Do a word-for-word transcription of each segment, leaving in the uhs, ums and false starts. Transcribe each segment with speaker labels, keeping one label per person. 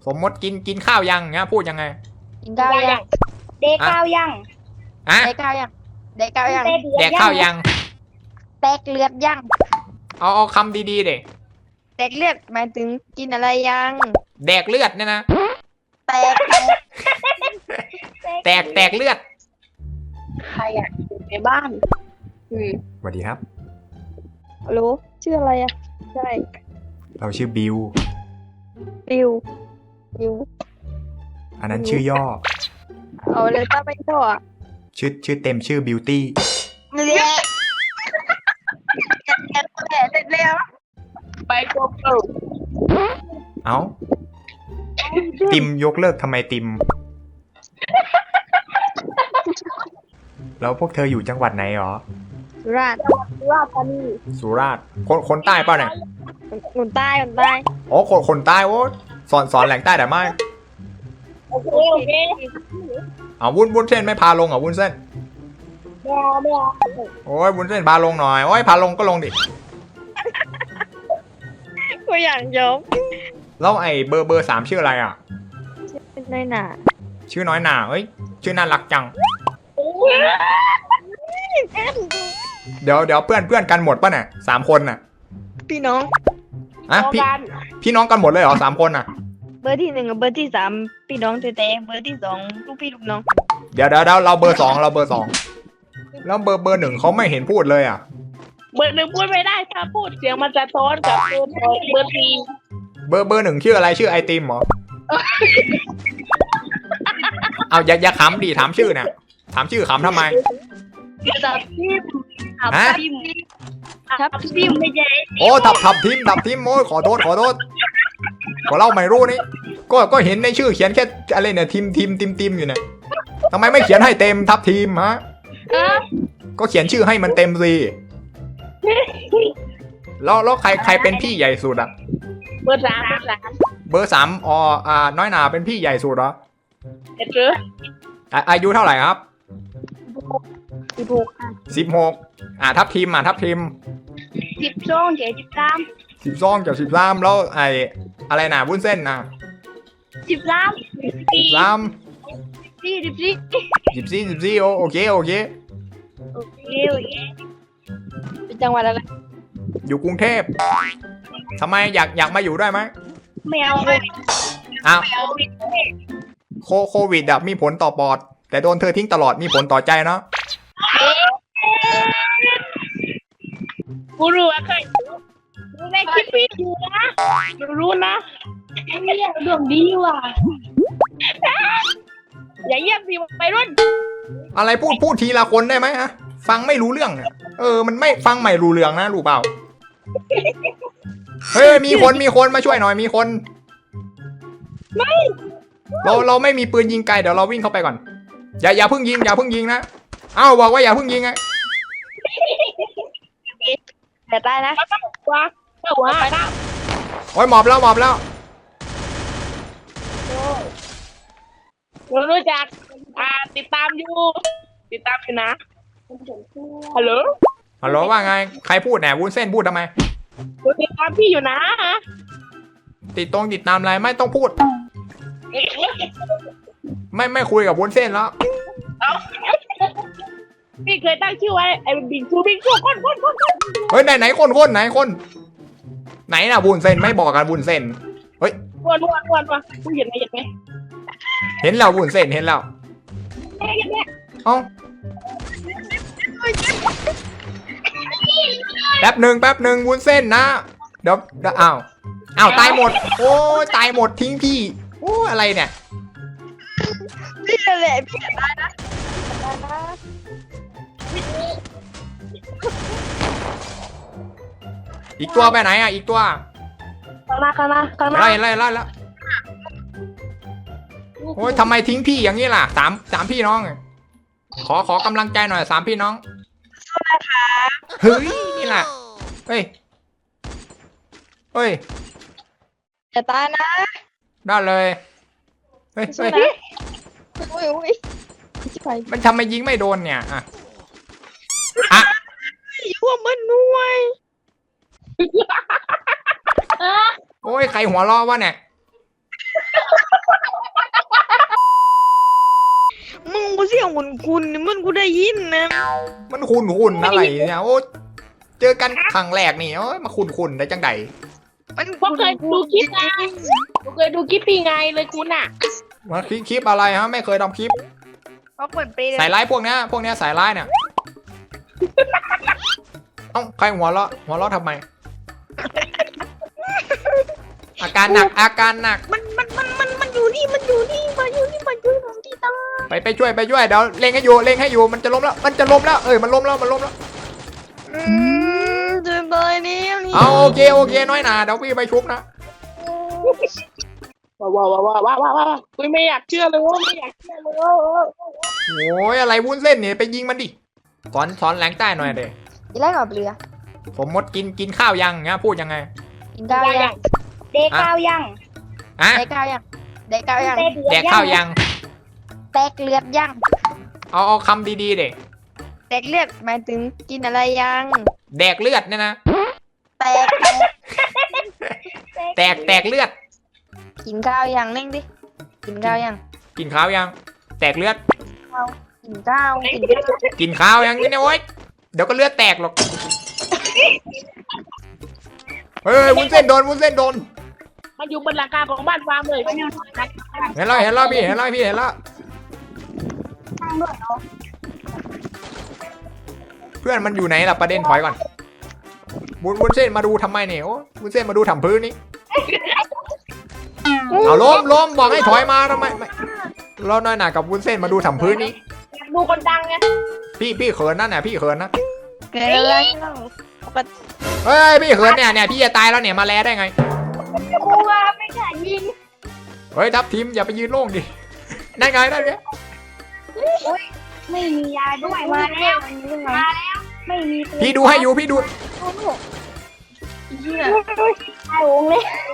Speaker 1: สมมติกินกินข้าวยังเงี้ยพูดยังไง
Speaker 2: กินข้าวยัง
Speaker 3: เด็กข้าวยัง
Speaker 1: อะ
Speaker 2: ได้ข้าวยังได้ข้าวยัง
Speaker 1: แดกข้าวยัง
Speaker 2: แตกเลือดยัง
Speaker 1: เอาเอาคำดีๆเด็ก
Speaker 2: แตกเลือดหมายถึงกินอะไรยัง
Speaker 1: แดกเลือดเนี่ยนะ
Speaker 2: แตก
Speaker 1: แตกแตกเลือด
Speaker 3: ใครอ่ะอยู่ในบ้าน
Speaker 2: อืม
Speaker 1: สวัสดีครับ
Speaker 2: ฮัลโหลชื่ออะไรอ่ะใช่
Speaker 1: เราชื่อบิว
Speaker 2: บิวบิว
Speaker 1: อันนั้นชื่อย่อ
Speaker 2: เอาเลยถ้าไม่ย่อ
Speaker 1: ชื่อชื่อเต็มชื่อบิวตี้
Speaker 2: เรียกเสร็จแล้ว
Speaker 3: ไปโกโก้
Speaker 1: เอ้าติมยกเลิกทำไมติมแล้วพวกเธออยู่จังหวัดไหนหรอ
Speaker 2: สุราษฎร์
Speaker 3: สุราษฎร์ธานี
Speaker 1: สุราษฎร์คนคนใต้เปล่าเนี่ย
Speaker 2: คนใต้คนใต้
Speaker 1: โอ้คนคนใต้โอ้สอนสอนแหล่งใต้แต่ไม่
Speaker 3: โอเคโอเค
Speaker 1: เอาวุ้นวุ้นเส้นไม่พาลงเหรอวุ้นเส้น
Speaker 3: ไม่เอาไม่เอา
Speaker 1: โอ้ยวุ้นเส้นพาลงหน่อยโอ้ยพาลงก็ลงดิ
Speaker 2: ก็อย่างยอม
Speaker 1: แล้วไอ้เบอร์เบอร์สามชื่ออะไรอ่ะ
Speaker 2: ชื่อน้อยหนา
Speaker 1: ชื่อน้อยหนาเอ้ยชื่อน่ารักจังเดี๋ยวเดี๋ยวเพื่อนเพื่อนกันหมดป่ะเนี่ยสามคนน่ะ
Speaker 2: พี่น้อง
Speaker 1: อะพี่พี่น้องกันหมดเลยเหรอสามคนน่ะ
Speaker 2: เบอร์ที่หนึ่งกับเบอร์ที่สามพี่น้องแต่เบอร์ที่สองลูกพี่ลูกน้อง
Speaker 1: เดี๋ยวเดี๋ยวเราเบอร์สองเราเบอร์สองแล้วเบอร์เบอร์หนึ่งเขาไม่เห็นพูดเลยอ่ะ
Speaker 3: เบอร์หนึ่งพูดไม่ได้ถ้าพูดเสียงมันจะซ้อนกับเบอร์เบอร์สี่
Speaker 1: เบอร์เบอร์หนึ่งชื่ออะไรชื่อไอติมเหรอเอาอย่าอย่าขำดิถามชื่อเนี่ยถามชื่อขำทำไม
Speaker 3: ทับทิมทับทิมทับทิมไม่ใช่
Speaker 1: โอ้ทับทับทิมทับทิมโอ้ยขอโทษขอโทษขอเล่าไม่รู้นี่ก็ก็เห็นในชื่อเขียนแค่อะไรเนี่ยทิมทิมทิมทิมอยู่เนี่ยทำไมไม่เขียนให้เต็มทับทิมฮะก็เขียนชื่อให้มันเต็มสิแล้วแล้วใครใครเป็นพี่ใหญ่สุดอะ
Speaker 3: เบอร์สามเบอร์สาม
Speaker 1: เบอร์สามอ๋ออ่าน้อยหนาเป็นพี่ใหญ่สุดเหรอ
Speaker 3: เอ็ดหรือ
Speaker 1: อายุเท่าไหร่ครับ
Speaker 3: สิบหก
Speaker 1: สิบหกอ่าทับทิมอ่ะทับทิม
Speaker 3: สิบสองเจ็ดสิบสาม
Speaker 1: สิบสองกับสิบสามแล้วไออะไรนะวุ้นเส้นนะ
Speaker 3: สิบสาม
Speaker 1: สิบสาม
Speaker 3: สี่สิบสี่
Speaker 1: สิบสี่สิบสี่โอเคโอเค
Speaker 3: โอเคโอเค
Speaker 2: เป็นจังหวัดอะไร
Speaker 1: อยู่กรุงเทพทำไมอยากอยากมาอยู่ได้ไหม
Speaker 3: ไม่เอาเลย
Speaker 1: อ้าวโคโควิดอะมีผลต่อปอดแต่โดนเธอทิ้งตลอดมีผลต่อใจเนาะ
Speaker 3: กูรู้ว่าเคยดูในคลิปพี่อยู่นะรู้นะเนี่ยดวงดีว่ะอย่าเยี่ยมสิไปรุ่น
Speaker 1: อะไรพูดพูดทีละคนได้ไหมฮะฟังไม่รู้เรื่องเออมันไม่ฟังไม่รู้เรื่องนะรู้เปล่าเฮ้ยมีคนมีคนมาช่วยหน่อยมีคน
Speaker 3: ไม่
Speaker 1: เราเราไม่มีปืนยิงไกลเดี๋ยวเราวิ่งเข้าไปก่อนอย่าอย่าเพิ่งยิงอย่าเพิ่งยิงนะเอ้าบอกว่าอย่าเพิ่งยิงไง
Speaker 2: แต่ตายนะ
Speaker 3: ว้าหัวไปแล้ว
Speaker 1: โอ้ยหมอบแล้วหมอบแล้ว
Speaker 3: เรารู้จักอ่าติดตามอยู่ติดตามอยู่นะฮัลโหล
Speaker 1: ฮัลโหลว่าไงใครพูดแหนวุ้นเส้นพูดทำไม
Speaker 3: ติดตามพี่อยู่นะ
Speaker 1: ติดตรงติดตามอะไรไม่ต้องพูดไม่ไม่คุยกับวุ้นเส้นแล้ว
Speaker 3: พี่เคยตั้งชื่อไว้ไอ้บิงซูบิงซูคนคนคน
Speaker 1: เฮ้ยไหนไหนคนคนไหนคนไหนน่ะวุ้นเส้นไม่บอกกันวุ้นเส้นเฮ้ย
Speaker 3: วนวนวนวนผู้เห็นไหมเห็นไหม
Speaker 1: เห็นแล้ววุ้นเส้นเห็นแล้วเอ้าแป๊บหนึ่งแป๊บหนึ่งวุ้นเส้นนะเดี๋ยวอ้าวอ้าวตายหมดโอ้ตายหมดทิ้งพี่โอ้อะไรเนี่ย
Speaker 2: พี่แหละพี่ตายนะ
Speaker 1: อีกตัวไปไหนอ่ะอีกตัว
Speaker 3: ข้างหน้าข้างหน้าข้างหน้า
Speaker 1: ไล่ไล่ไล่แล้วโอ้ยทำไมทิ้งพี่อย่างนี้ล่ะสามสามพี่น้องขอขอกำลังใจหน่อยสามพี่น้องเฮ้ยนี่แหละเฮ้ยเฮ้ย
Speaker 2: จะตายนะ
Speaker 1: ได้เลยเฮ้ยเฮ้ย
Speaker 2: อุ้ยอุ้ย
Speaker 1: มันทำไมยิงไม่โดนเนี่ยอ่ะอ่ะ
Speaker 2: ยั่วมันน่วย
Speaker 1: โอ้ยใครหัวล้อวะเนี่ย
Speaker 2: งหุ่นคุณนี่มันกูได้ยินนะ
Speaker 1: มันขุนขุนอะไรเนี่ยโอ้เจอกันครั้งแรกนี่โอ้ยมาขุนขุนได้จังใด
Speaker 2: มัน
Speaker 3: ผมเคยดูคลิปนะผมเคยดูคลิปพี่ไงเลยคุณอ่ะ
Speaker 1: มาคลิปคลิปอะไรฮะไม่เคยทำคลิป
Speaker 2: เขาเปิดเปรย์
Speaker 1: ใส่ร้ายพวกเนี้ยพวกเนี้ยใส่ร้ายเนี่ยเอ้าใครหัวเราะหัวเราะทำไม อาการหนักอาการหนัก
Speaker 2: มันมันมันมันมันอยู่นี่มันอยู่นี่มาอยู่นี่มันอยู่ตรงที่ตา
Speaker 1: ไปไปช่วยไปช่วยเดี๋ยวเล็งให้อยู่เล็งให้อยู่มันจะล้มแล้วมันจะล้มแล้วเอ้ยมันล้มแล้วมันล้มแล้ว
Speaker 2: อืมเจอเลยเนี่ยนี่
Speaker 1: เอาโอเคโอเคน้อยหนาเดี๋ยวพี่ไปชุบนะ
Speaker 3: ว้าวว้าวว้าวว้าวว้าวว้าวคุยไม่อยากเชื่อเลยว่าไม่อยากเชื่อเลย
Speaker 1: โอ้ยอะไรวุ้นเส้นเนี่ยไปยิงมันดิสอนสอนแหลงใต้หน่อยเด้
Speaker 2: อีแรกกับเรือ
Speaker 1: ผมมดกินกินข้าวยังเงี้ยพูดยังไง
Speaker 2: กินข้าวยัง
Speaker 4: เด็กข้าวยัง
Speaker 1: อะ
Speaker 2: ได้ข้าวยังได้ข้าวยัง
Speaker 1: แดกข้าวยัง
Speaker 2: แตกเลือดยัง
Speaker 1: เอาเอาคำดีๆเด้
Speaker 2: แตกเลือดหมายถึงกินอะไรยัง
Speaker 1: แดกเลือดเนี่ยนะ
Speaker 2: แตกแตก
Speaker 1: แตกแตกเลือด
Speaker 2: กินข้าวยังเร่งดิกินข้าวยัง
Speaker 1: กินข้าวยัง แตกเลือด
Speaker 2: กินข้าวกินข้าว
Speaker 1: กินข้าวยังเนี่ยโอ๊ยเดี๋ยวก็เลือดแตกหรอกเฮ้ยวุ้นเส้นโดนวุ้นเส้นโดน
Speaker 3: มันอยู่บนหลังคาของบ้านฟาร์มเลย
Speaker 1: เห็นแล้วเห็นแล้วพี่เห็นแล้วพี่เห็นแล้วเพื่อนมันอยู่ไหนล่ะประเด็นถอยก่อนวุ้นวุ้นเส้นมาดูทำไมเนี่ยโอ้วุ้นเส้นมาดูทำพื้นนี่เอาล้มล้มบอกให้ถอยมาทำไมไม่เราน้อยหนากับวุ้นเส้นมาดูทำพื้นนี่
Speaker 3: อยากดูคนดังไง
Speaker 1: พี่พี่เขินนั่นน่ะพี่เขินนะ
Speaker 2: เกิดอะไรขึ้น
Speaker 1: เฮ้ยพี่เขินเนี่ยเนี่ยพี่จะตายแล้วเนี่ยมาแลได้ไง
Speaker 4: ครูว่าไม่กล้ายิง
Speaker 1: เฮ้ยทับทีมอย่าไปยืนโล่งดิได้ไงได้ไง
Speaker 4: ไม่มียาด้วยมาแล้วมาแล้ว ไม่มี
Speaker 1: พี่ดูให้อยู่พี่ดู
Speaker 2: เหี้ย
Speaker 4: ตายโงเลย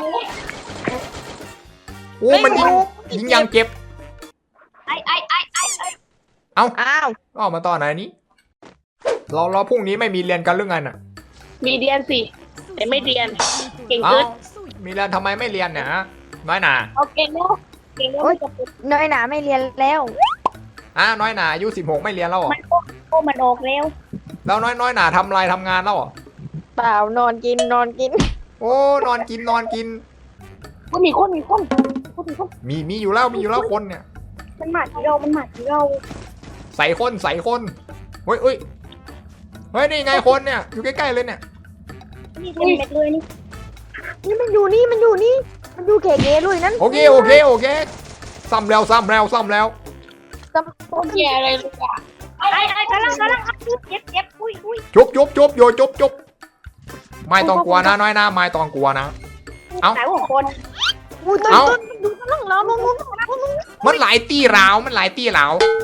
Speaker 1: โอ้มันยิงยิงยังเจ็บ
Speaker 4: ไอไอไอไอไอ
Speaker 1: เอา
Speaker 2: อ้าว
Speaker 1: ออกมาตอนไหนนี้เราเราพรุ่งนี้ไม่มีเรียนกันเรื่องไงน่ะ
Speaker 3: มีเรียนสิแต่ไม่เรียน เก่ง
Speaker 1: เอา
Speaker 3: เกิน
Speaker 1: มีเรียนทำไมไม่เรียนเนี่ยฮะน้อยหนา
Speaker 3: เอาเก่งแล้วเก่งแล้วมันจะเป็น
Speaker 2: น้อยหนาไม่เรียนแล้ว
Speaker 1: อ่ะน้อยหนาอายุสิบหกไม่เรียนแล้วเหรอ
Speaker 4: มันโอ้โอ้มันออกเร็ว
Speaker 1: แล้วน้อยน้อยหนาทำอะไรทำงานแล้วเหรอ
Speaker 2: เปล่านอนกินนอนกิน
Speaker 1: โอ้นอนกินนอนกิน
Speaker 3: มันมีคนมีคนคนมีคน
Speaker 1: มีมีอยู่แล้วมีอยู่แล้วคนเนี่ย
Speaker 4: มันหมาที่เรา มันหมาที่เรา
Speaker 1: ใส่คนใส่คนเฮ้ยเฮ้ยเฮ้ยนี่ไงคนเนี่ยอยู่ใกล้ๆเลยเนี่ย
Speaker 4: นี่เป็นเม็ดเลยนี่
Speaker 2: นี่มันอยู่นี่มันอยู่นี่มันอยู่เขเกลุยนั้น
Speaker 1: โอเคโอเคโอเคซ้ำแล้วซ้ำแล้วซ้ำแล้ว
Speaker 3: โคตรแย่เลยลูกอ่ะ
Speaker 4: ไอไอไอกำลังกำลังเจ็บเจ็บอุ้ยอุ้ย
Speaker 1: จุบจุบจุบโยจุบจุบไม่ต้องกลัวนะน้อยหนาไม่ต้องกลัวนะ เอ้า
Speaker 4: ตายของคน
Speaker 2: อุ้ยต้น
Speaker 1: เอ้า
Speaker 2: ต้นมันดูข้างหลังเรามองมองมอง
Speaker 1: มันหลายตีราวมันหลายตีราว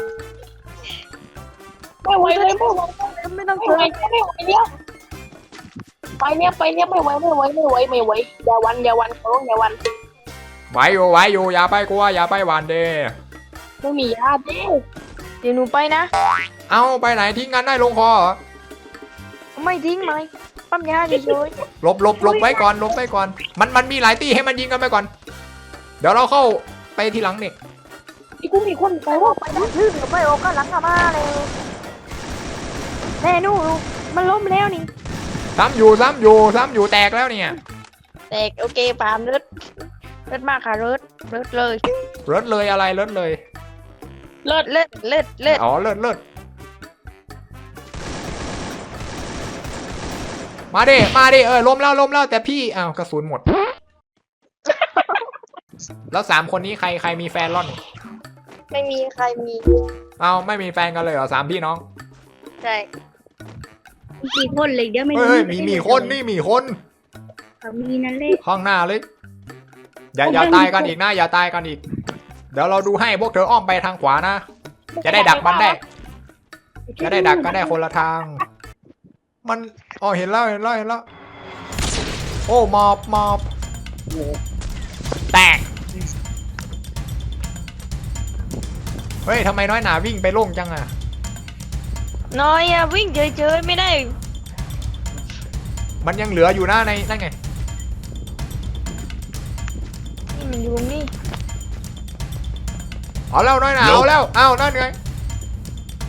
Speaker 3: ไม่ไหวเลยไม่ไหว
Speaker 2: ไม่ต้อง
Speaker 3: ไม่
Speaker 2: กลั
Speaker 3: ไห
Speaker 2: ว
Speaker 3: วไม่ไหวเนี่ยไปเนี่ยไปเนี่ยไม่ไหวไม่ไหวไม่ไหวไม่ไหวอย่าวันอย่าวันขอร้องอย่าวัน
Speaker 1: ไหวอยู่ไหวอยู่อย่าไปกลัวอย่าไปหวานเด
Speaker 3: ไม่มียาเด้
Speaker 2: เดี๋ยวหนูไปนะ
Speaker 1: เอาไปไหนทิ้งงานได้ลงคอเหรอ
Speaker 2: ไม่ทิ้งไหมปั๊มยาเฉย
Speaker 1: หลบหลบหลบไว้ก่อนหลบไว้ก่อน มันมันมีหลายตีให้มันยิงกันไปก่อน เดี๋ยวเราเข้าไปทีหลังนี่
Speaker 3: อีกูมีคนไปว่าไป
Speaker 2: ๆลื่นกับไปโอก็หลังกับมาเลยแน่นู่มันล้มแล้วนี่
Speaker 1: ซ้ำอยู่ซ้ำอยู่ซ้ำอยู่แตกแล้วเนี่ย
Speaker 2: แตกโอเคปามเลิศเลิศมากค่ะเลิศเลิศเลย
Speaker 1: เลิศเลยอะไรเลิศเลย
Speaker 3: เลิศ
Speaker 2: เลิศเลิศเลิศ
Speaker 1: อ๋อเลิศเลิศมาดิมาดิเออล้มแล้วล้มแล้วแต่พี่อ้าวกระสุนหมด แล้วสามคนนี้ใครใครมีแฟนร่อน
Speaker 2: ไม่มีใครมี
Speaker 1: เอาไม่มีแฟนกันเลยเหรอสามพี่น้อง
Speaker 2: ใช่
Speaker 4: มีคนเลยเดี๋ยวไม่
Speaker 1: เฮ้ยเฮ้ยมีมีคนนี่มีคน
Speaker 4: เขามีนั่นเลย
Speaker 1: ข้างหน้าเลยอย่าอย่าตายกันอีกนะอย่าตายกันอีก เดี๋ยวเราดูให้พวกเธออ้อมไปทางขวานะ จะได้ดักมันได้ จะได้ดักกันได้คนละทาง มันอ๋อเห็นแล้วเห็นแล้วเห็นแล้วโอ้มอบมอบแตกเฮ้ยทำไมน้อยหนาวิ่งไปโล่งจังอะ
Speaker 2: น้อยอะวิ่งเฉยๆไม่ได้
Speaker 1: มันยังเหลืออยู่นะในนั่นไง
Speaker 2: นี่มันอยู่ตรงนี่
Speaker 1: เอาแล้วน้อยหนาเอาแล้วเอานั่นไง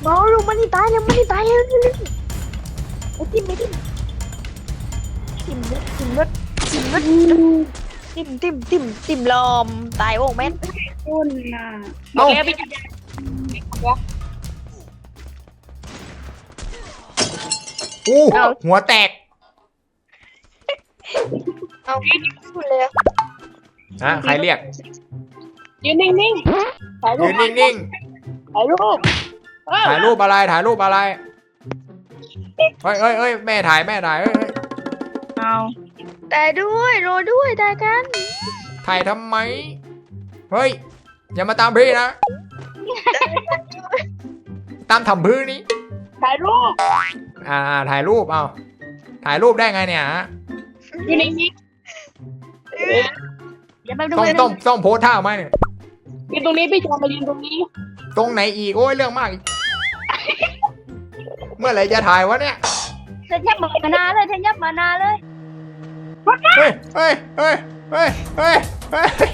Speaker 2: เอาลูกมันนี่ตายแล้วมันนี่ตายแล้วไอ้ทิมไอ้ทิมทิมรถทิมรถทิมรถทิมทิมทิมทิมลอมตายโอ่งแม่น
Speaker 4: คุณน่ะ
Speaker 3: เอ้าพี่
Speaker 1: อู้หัวแตก
Speaker 2: เอาพูดเลยอะ
Speaker 1: นะใครเรียก
Speaker 3: ยืนนิ่งๆถ่ายรู
Speaker 1: ยื
Speaker 3: ป
Speaker 1: นนิ่ง
Speaker 3: ถ่ายรูปเออ
Speaker 1: ๆถ่ายรูปอะไรถ่ายรูปอะไรเฮ้ยเฮ้ยเฮ้ยแม่ถ่ายแม่ถ่ายเฮ้ยเฮ้ย
Speaker 3: เอา
Speaker 2: ตายด้วยรอด้วยตายกัน
Speaker 1: ถ่ายทำไมเฮ้ยอย่ามาตามพี่นะตามทำพื้นนี้
Speaker 3: ถ่ายรูป
Speaker 1: อ่าถ่ายรูปเอาถ่ายรูปได้ไงเนี่ยฮะ
Speaker 3: ยืนนิ่ง
Speaker 2: อย่าไปดู
Speaker 1: ต้อง
Speaker 2: เลย
Speaker 1: ต้องต้องโพสท่าไหมเนี่ย
Speaker 3: ๆยืนตรงนี้พี่จะมายืนตรงนี้
Speaker 1: ตรงไหนอีกโอ้ยเรื่องมากอีกเมื่อไหร่จะถ่ายวะเนี่ย
Speaker 2: เธอยับมานานเลยเธอยับมานานเลย
Speaker 1: เฮ้ยเฮ้ยเฮ้ยเฮ้ยเฮ้ยเฮ้ย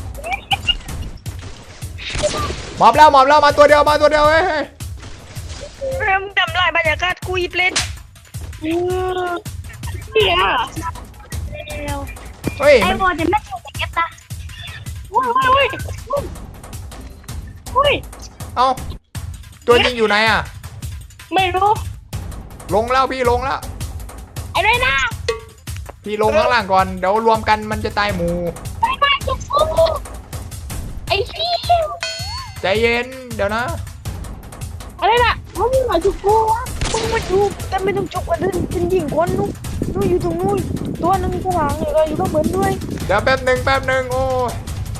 Speaker 1: หมอบแล้วหมอบแล้วมาตัวเดียวมาตัวเดียวเฮ้ยเฮ้ย
Speaker 2: เริ่มทำลายบรรยากาศคุยเพลน
Speaker 3: พี่อะ
Speaker 1: เฮ้ย
Speaker 2: ไอ้
Speaker 1: มัน
Speaker 2: วอจะไม่ถูกเก็บตา
Speaker 3: อุ้ยอุ้ยอุ้ยอุ้ย
Speaker 1: เอ้าตัวจริงอยู่ไหนอ่ะ
Speaker 3: ไม่รู้
Speaker 1: ลงแล้วพี่ลงแล้ว
Speaker 3: ไอ้ไรนะ
Speaker 1: พี่ลงข้างล่างก่อนเดี๋ยวรวมกันมันจะตายหมู่
Speaker 3: ไอ้มาจุกกูไอ้พี่
Speaker 1: ใจเย็นเดี๋ยวนะ
Speaker 3: อะไรน่ะเขามีหมาจุกกูวะ
Speaker 2: มึงมาดูแต่ไม่ต้องจุกกันเลยฉันยิงคนนู้นนู้นอยู่ตรงนู้นตัวนึงข้างหลังเลยก็อยู่ก็เหมือนด้วย
Speaker 1: เดี๋ยวแป๊บหนึ่งแป๊บหนึ่งโอ้ย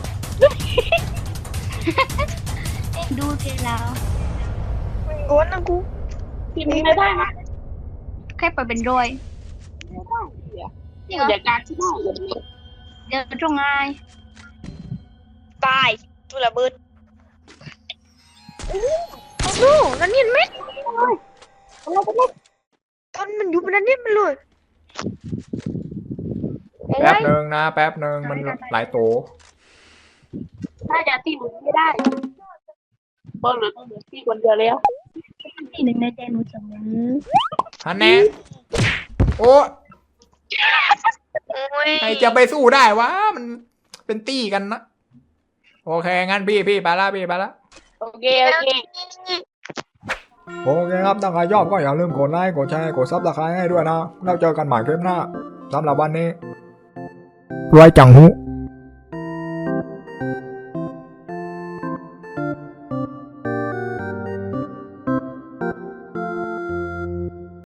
Speaker 4: ดูเทแล้ว
Speaker 2: มึงก้นนะกู
Speaker 3: พี่มีไม่ได้ไหม
Speaker 4: แค่เปิดเป็นรอย
Speaker 3: ไม่ได้เดี๋ยวอย่าการที่ได้อย่างนี้
Speaker 4: เดี๋ยวตรงไง
Speaker 2: ตายจุระเบิดโอ้โหนั่นเห็นไหมตอนมันอยู่บนนั้นเนี่ยมันเลย
Speaker 1: แป๊บหนึ่งนะแป๊บหนึ่งมันหลายโต
Speaker 3: ถ้าจะตีหนูไม่ได้เพราะเหลือต้องเหลือพี่คนเดียวแล้ว
Speaker 4: ที่หนึ่งในใจหนูสมอง
Speaker 1: ฮันแน่โอ้ย
Speaker 2: โอ้ย
Speaker 1: ใครจะไปสู้ได้วะมันเป็นตี้กันนะโอเคงั้นพี่พี่ไปละพี่ไปละ
Speaker 3: โอเคโอเค
Speaker 1: โอเคครับถ้าใครชอบก็อย่าลืมกดไลค์กดแชร์กดซับสไครต์ให้ด้วยนะแล้วเจอกันใหม่คลิปหน้าสำหรับวันนี้รวยจังหู